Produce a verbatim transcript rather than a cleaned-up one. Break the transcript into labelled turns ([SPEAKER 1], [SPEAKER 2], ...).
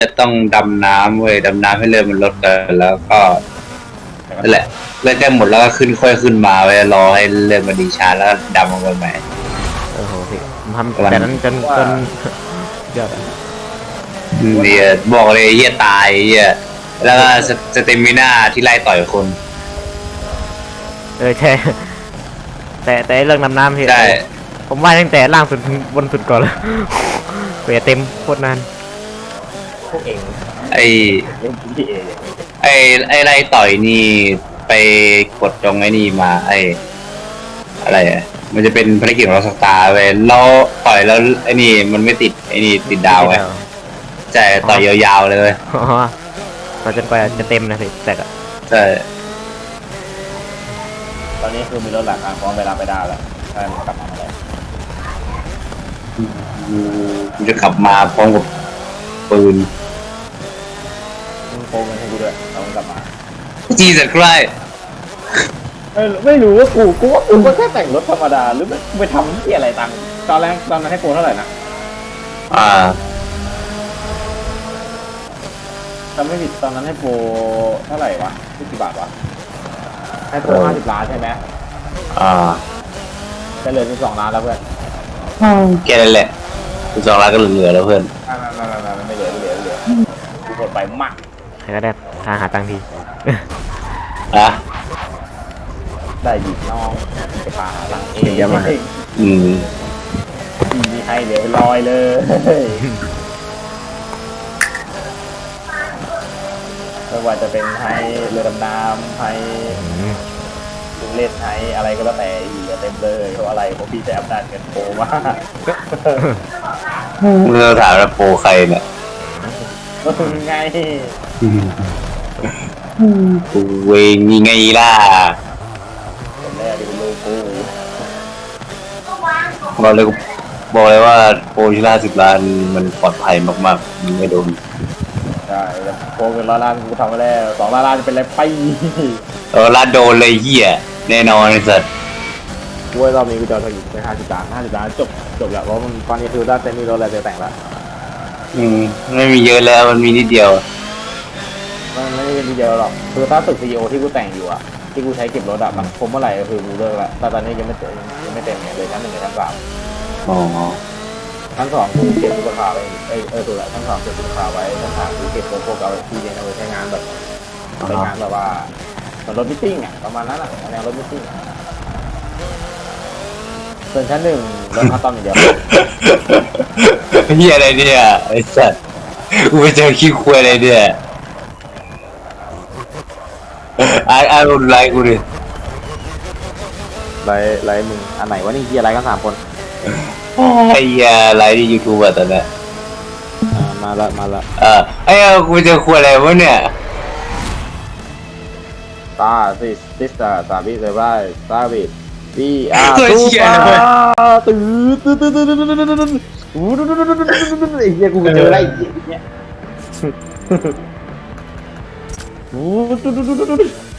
[SPEAKER 1] จะต้องดำน้ำเว้ยดำน้ำให้เรือมันลดกันแล้วก็นั่นแหละเลือดใกล้หมดแล้วก็ขึ้นค่อยขึ้นมาไว้รอให้เรือมันดีชาแล้วก็ดำลงไปใหม่
[SPEAKER 2] โอ้โหพี่ผมทำแต่นั้นจนจนเดี๋ยว
[SPEAKER 1] เนี่ยบอกเลยเฮียตายเฮียแล้วก็สเตมิน่าที่ไล่ต่อยคน
[SPEAKER 2] เออใช่แต่แต่เรื่องน้ำน้ำพี่
[SPEAKER 1] ใช่
[SPEAKER 2] ผมว่าตั้งแต่ล่างสุดบนสุดก่อนเลยเปียเต็มโคตรนาน
[SPEAKER 3] พวกเอง
[SPEAKER 1] ไอ
[SPEAKER 3] เล่นพี่เอง
[SPEAKER 1] ไอไอไล่ต่อยนี่ไปกดตรงไอ้นี่มาไออะไรอ่ะมันจะเป็นภารกิจของเราสตาร์เว้ยเราต่อยแล้วไอ้นี่มันไม่ติดไอ้นี่ติดดาวไงใช่ต่อยยาวๆเลยเว้ย
[SPEAKER 2] อ๋อต่อจนกว่าจะเต็มนะพี่แต่ก็
[SPEAKER 1] ใช่
[SPEAKER 3] ตอนนี้คือมีรถหลักการพร้อมเวลาไปได้แล้วใช่มันกลับมาแล้ว
[SPEAKER 1] กูจะขับมาพร้อมกับปืน
[SPEAKER 3] มึงโกงเงินให้กูด้วยเรากลับมา
[SPEAKER 1] จีสัตว์ใกล้
[SPEAKER 3] ไม่ไม่รู้ว่ากูกูว่ากูก็แค่แต่งรถธรรมดาหรือไม่ไปทำที่อะไรตังตอนแรกตอนนั้นให้โกงเท่าไหร่นะ
[SPEAKER 1] อ่า
[SPEAKER 3] จำไม่ผิดตอนนั้นให้โปรเท่าไหร่วะที่กี่บาทวะให้โปรห้าสิบล้านใช่ไหม
[SPEAKER 1] อ่า
[SPEAKER 3] จะเหลือสิบสองล้านแล้วเพื่อน
[SPEAKER 1] แค่นั้นแหละสิบสองล้านก็เหลือแล้วเพื่อน
[SPEAKER 3] ไม่ไม่ไม่ไม่ไม่เหลือไม่เหลือไม่เหลือกูกดไปมาก
[SPEAKER 2] ใครก็ได้ทางหาตังค์ที
[SPEAKER 1] อ่ะ
[SPEAKER 3] ได้หยิบน้องไปปาหลังเอง
[SPEAKER 1] ยังไงอืม
[SPEAKER 3] มีใครเหลือลอยเลยไม่ว่าจะเป็นไฮเรือดำน้ำไฮลุงเล่นไฮอะไรก็แล้วแต่อีกเต็มเลยเพราะอะไรเพราะพี่จะอำนาจเงินโผล่มาก
[SPEAKER 1] เมื่อถามว่าโปรใครเนี่ย
[SPEAKER 3] ไง
[SPEAKER 1] กูเองยังไงล่ะ
[SPEAKER 3] คนแรกที่เป็นลูกกู
[SPEAKER 1] บอกเลยบอกเลยว่าโปรชิล่าสิบล้านมันปลอดภัยมากๆมันไม่โดน
[SPEAKER 3] ใช่แล้วโปรเป็นร้อยล้านกูทำมาแล้วสองล้านล้านจะเป็นอะไรไป
[SPEAKER 1] เออล้านโดนเลยเหี้ยแน่นอนไอ้สัส
[SPEAKER 3] กูว่าเรามีกูจะเอาอีกเป็นห้าสิบล้านห้าสิบล้านจบจบแล้วเพราะมันตอนนี้คือได้เต็มมีรถอะไรจะแต่งละ
[SPEAKER 1] อืมไม่มีเยอะแล้วมันมีนิดเดียว
[SPEAKER 3] มันไม่ได้ทีเดียวหรอกคือถ้าตึกซีอีโอที่กูแต่งอยู่อะที่กูใช้เก็บรถอะมันคมเมื่อไหร่ก็คือกูเลิกละแต่ตอนนี้ยังไม่เต็มยังไม่เต็มเนี่ยเลยชั้นหนึ่งกับชั้นสาม
[SPEAKER 1] อ๋อ
[SPEAKER 3] ชั้นสองกูเก็บตุ๊กตาไว้เออเออถูกละชั้นสองเก็บตุ๊กตาไว้ชั้นสามกูเก็บพวกเอาที่เรียนเอาไว้ใช้งานแบบใช้งานแบบว่าเหมือนรถมิทติ้งอะประมาณนั้นอะแนวรถมิทติ้งส่วนชั้นหนึ่งรถคัสตอมอย่างเดียว
[SPEAKER 1] เฮียอะไรเนี่ยไอ้สัสกูไปเจอขี้ควายอะไรเนี่ยไอ้ไอ้รุนไลกูดิ
[SPEAKER 3] ไลไลมึงอันไหนวะนี่เฮียไลกันสามคน
[SPEAKER 1] ไอ้เฮียไลที่ยูทูบอะตอนนี้
[SPEAKER 3] มาละมาละ
[SPEAKER 1] เออไอ้กูไปเจอควายอะไรวะเนี่ย
[SPEAKER 3] ตาสิสิสตาตาบิเซบายตาบิดีอาตูปาตื้อตื้อตื้อตื้อตื้อตื้อตื้อตื้อไอ้เหี้ยกูเจออะไรเนี่ย